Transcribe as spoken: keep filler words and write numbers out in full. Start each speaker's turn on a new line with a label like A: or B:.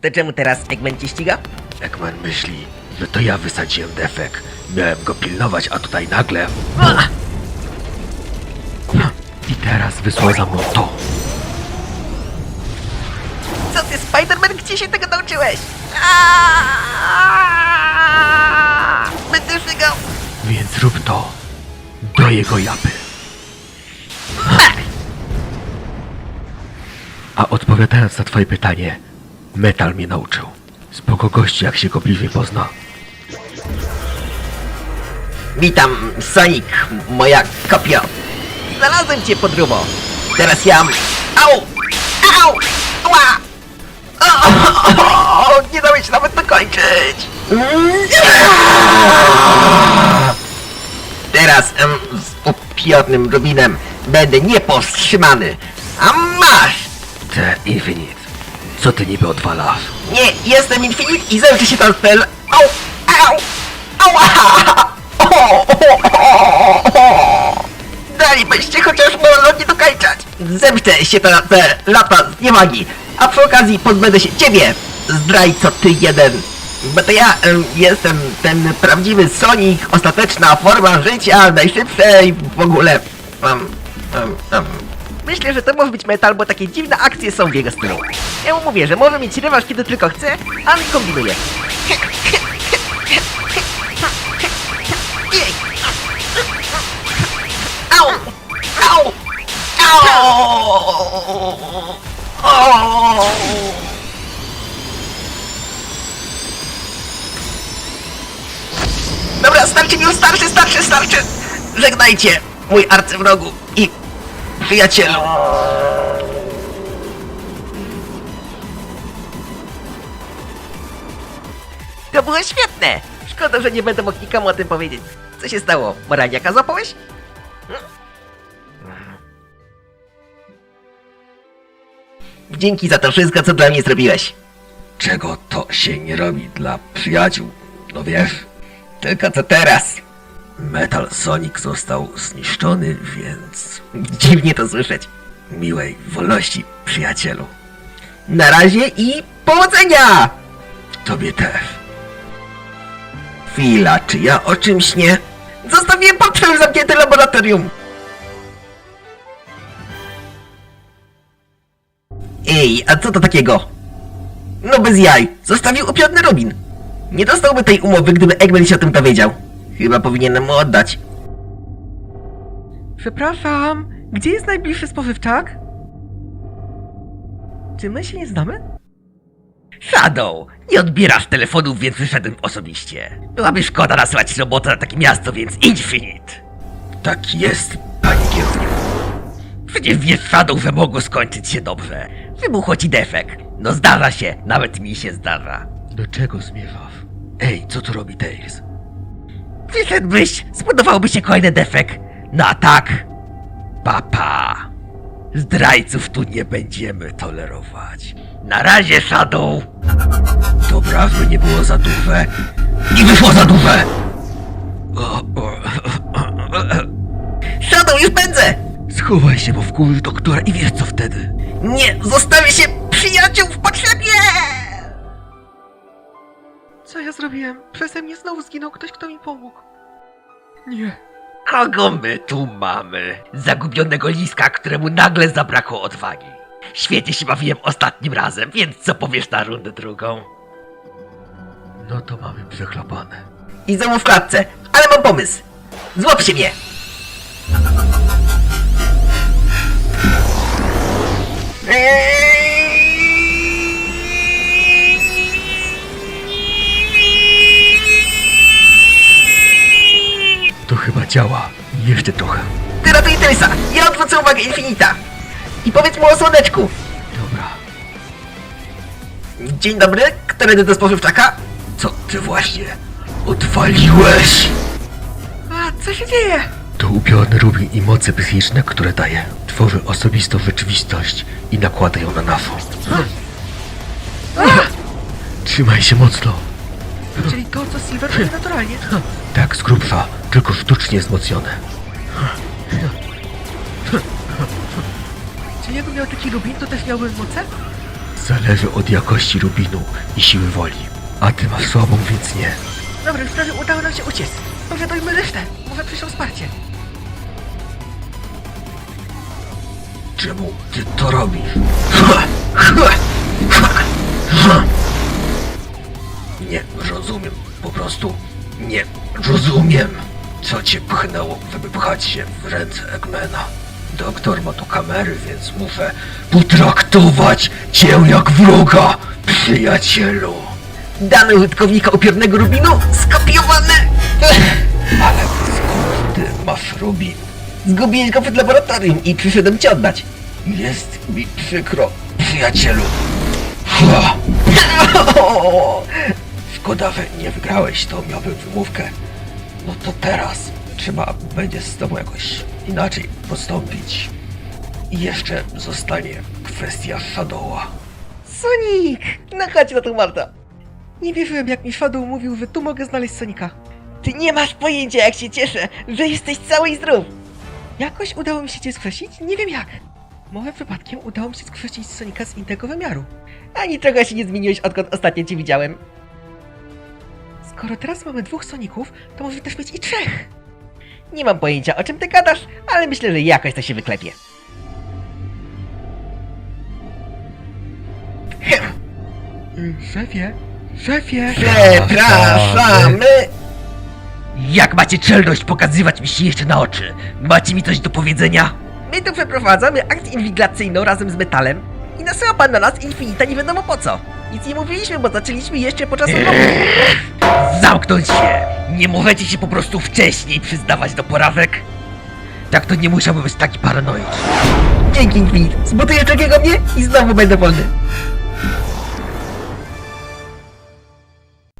A: To czemu teraz Eggman cię ściga?
B: Eggman myśli, że to ja wysadziłem defek. Miałem go pilnować, a tutaj nagle... I teraz wysłał za mną to.
A: Co ty, Spider-Man, gdzie się tego nauczyłeś? Aaaa! Będę żygał!
B: Więc rób to do jego japy. A odpowiadając na twoje pytanie, Metal mnie nauczył. Spoko gości, jak się go bliżej pozna.
A: Witam, Sonic, moja kopio. Znalazłem cię, podróbo. Teraz ja... Au! Au! Ała! O, o, o, o, nie dałeś nawet dokończyć! Teraz em, z upiornym Rubinem będę niepowstrzymany. A masz!
B: Te Infinite. Co ty niby odwalasz?
A: Nie, jestem Infinite i zemszczę się ten spell. Au! Au! Ała! O, o, o, o. Dalibyście chociaż wolno nie dokończać. Zemszczę się na te lata z niewagi, a przy okazji pozbędę się ciebie, zdrajco ty jeden. Bo to ja em, jestem ten prawdziwy Sonic, ostateczna forma życia, najszybsza i w ogóle... Um, um, um. Myślę, że to może być Metal, bo takie dziwne akcje są w jego stylu. Ja mu mówię, że może mieć rewanż kiedy tylko chce, a on kombinuje. Au! Au! Au! Dobra, starczy mi już, starczy, starczy, starczy! Żegnajcie, mój arcywrogu i przyjacielu! To było świetne! Szkoda, że nie będę mógł nikomu o tym powiedzieć. Co się stało? Moraniaka złapałeś? Dzięki za to wszystko, co dla mnie zrobiłeś.
B: Czego to się nie robi dla przyjaciół? No wiesz?
A: Tylko co teraz?
B: Metal Sonic został zniszczony, więc...
A: Dziwnie to słyszeć.
B: Miłej wolności, przyjacielu.
A: Na razie i powodzenia!
B: Tobie też.
A: Chwila, czy ja o czymś nie? Zostawiłem portfel w zamkniętym laboratorium! Ej, a co to takiego? No bez jaj, zostawił upiorny Rubin. Nie dostałby tej umowy, gdyby Eggman się o tym dowiedział. Chyba powinienem mu oddać. Przepraszam, gdzie jest najbliższy spożywczak? Czy my się nie znamy? Shadow, nie odbierasz telefonów, więc wyszedłem osobiście. Byłaby szkoda nasłać robotę na takie miasto, więc Infinite.
B: Tak jest, panie kierowniku.
A: Przecież wiesz, Shadow, że mogło skończyć się dobrze. Wybuchło ci defekt. No zdarza się, nawet mi się zdarza.
B: Do czego zmierzasz? Ej, co tu robi Tails?
A: Wyszedłbyś, spodobałby się kolejny defekt. No a tak, papa. Zdrajców tu nie będziemy tolerować. Na razie, Shadow.
B: Dobra, by nie było za duże.
A: I wyszło za duże.
B: O, o,
A: Shadow, już pędzę.
B: Schowaj się, bo wkurzysz doktora i wiesz co wtedy.
A: Nie, zostawię się przyjaciół w potrzebie.
B: Co ja zrobiłem? Przeze mnie znowu zginął ktoś, kto mi pomógł. Nie.
A: Kogo my tu mamy? Zagubionego liska, któremu nagle zabrakło odwagi. Świetnie się bawiłem ostatnim razem, więc co powiesz na rundę drugą?
B: No to mamy przeklapane.
A: I znowu w klatce, ale mam pomysł. Złap się mnie.
B: To chyba działa. Jeszcze trochę.
A: Ty ratuj Tailsa, ja odwrócę uwagę Infinita. I powiedz mu o słoneczku.
B: Dobra.
A: Dzień dobry, któredy do spożywczaka?
B: Co ty właśnie odwaliłeś?
A: A, co się dzieje?
B: To upiorny Rubin i moce psychiczne, które daje. Tworzy osobistą rzeczywistość i nakłada ją na naszą. Trzymaj się mocno.
A: Czyli to, co Silver robi naturalnie.
B: Tak, z grubsza, tylko sztucznie wzmocnione.
A: Czy jakbym miał taki Rubin, to też miałbym moce?
B: zależy od jakości rubinu i siły woli. A ty masz słabą, więc nie.
A: Dobra, już prawie udało nam się uciec. Może dojmy resztę. Może przyszło wsparcie.
B: Czemu ty to robisz? Nie rozumiem, po prostu nie rozumiem, co cię pchnęło, żeby pchać się w ręce Eggmana. Doktor ma tu kamery, więc muszę potraktować cię jak wroga, przyjacielu.
A: Dane użytkownika upiornego rubinu skopiowane.
B: Ale skąd ty masz rubin?
A: Zgubiłeś go przed laboratorium i przyszedłem ci oddać.
B: Jest mi przykro, przyjacielu. Ha! Szkoda, że nie wygrałeś, to miałbym wymówkę. No to teraz trzeba będzie z tobą jakoś inaczej postąpić. I jeszcze zostanie kwestia Shadowa.
A: Sonic! No chodź na to, Marta. Nie wierzyłem, jak mi Shadow mówił, że tu mogę znaleźć Sonika. Ty nie masz pojęcia, jak się cieszę, że jesteś cały i zdrów. Jakoś udało mi się cię skrzesić? Nie wiem jak. Może przypadkiem udało mi się skrzesić Sonika z innego wymiaru. Ani trochę się nie zmieniłeś, odkąd ostatnio cię widziałem. Skoro teraz mamy dwóch Soników, to może też mieć i trzech. Nie mam pojęcia, o czym ty gadasz, ale myślę, że jakoś to się wyklepie. Mm, Szefie, szefie.
B: Przepraszamy.
A: Jak macie czelność pokazywać mi się jeszcze na oczy? Macie mi coś do powiedzenia? My tu przeprowadzamy akcję inwigilacyjną razem z metalem i nasyła pan na nas Infinita nie wiadomo po co. Nic nie mówiliśmy, bo zaczęliśmy jeszcze podczas rozmowy. Zamknąć się! Nie możecie się po prostu wcześniej przyznawać do porażek? Tak to nie musiałby być taki paranoiczny. Dzięki, Infinit. Zbutujesz takiego mnie i znowu będę wolny.